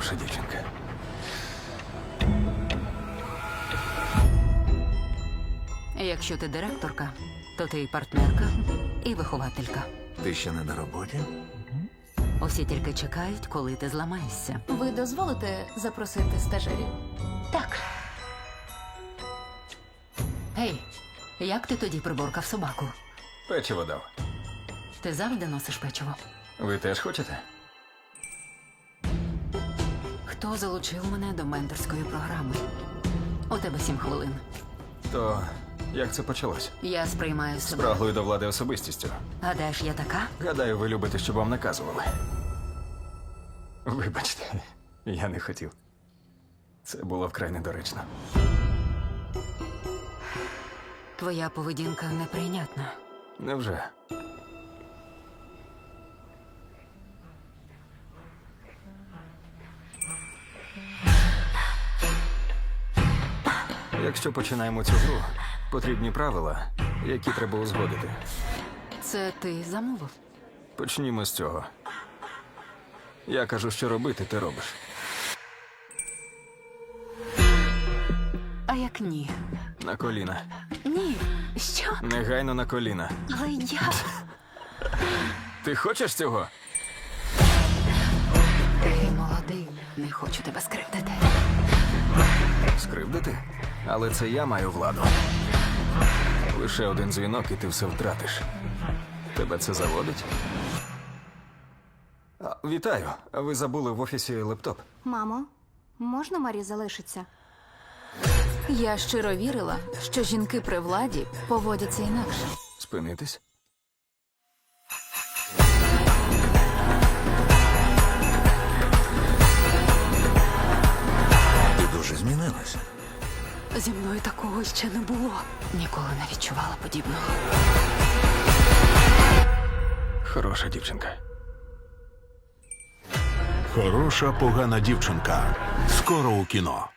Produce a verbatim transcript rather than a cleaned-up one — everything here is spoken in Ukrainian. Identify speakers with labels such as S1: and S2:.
S1: хороша дівчинка.
S2: Якщо ти директорка, то ти і партнерка, і вихователька.
S1: Ти ще не на роботі?
S2: Усі тільки чекають, коли ти зламаєшся.
S3: Ви дозволите запросити стажерів?
S2: Так. Гей, як ти тоді приборкав собаку?
S1: Печиво дав.
S2: Ти завжди носиш печиво?
S1: Ви теж хочете?
S2: Хто залучив мене до менторської програми? У тебе сім хвилин.
S1: То як це почалось?
S2: Я сприймаю себе.
S1: Спраглою до влади особистістю.
S2: Гадаєш, я така?
S1: Гадаю, ви любите, щоб вам наказували. Вибачте, я не хотів. Це було вкрай недоречно.
S2: Твоя поведінка неприйнятна.
S1: Невже? Якщо починаємо цю гру, потрібні правила, які треба узгодити.
S2: Це ти замовив?
S1: Почнімо з цього. Я кажу, що робити, ти робиш.
S2: А як ні?
S1: На коліна.
S2: Ні. Що?
S1: Негайно на коліна.
S2: Але я...
S1: Ти хочеш цього?
S2: Ти молодий. Не хочу тебе скривдити.
S1: Скривдити? Але це я маю владу. Лише один дзвінок, і ти все втратиш. Тебе це заводить? А, вітаю. Ви забули в офісі лептоп.
S3: Мамо, можна Марі залишиться? Я щиро вірила, що жінки при владі поводяться інакше.
S1: Спинитись?
S4: Ти дуже змінилася.
S2: Зі мною такого ще не було. Ніколи не відчувала подібного.
S1: Хороша дівчинка.
S4: Хороша погана дівчинка. Скоро у кіно.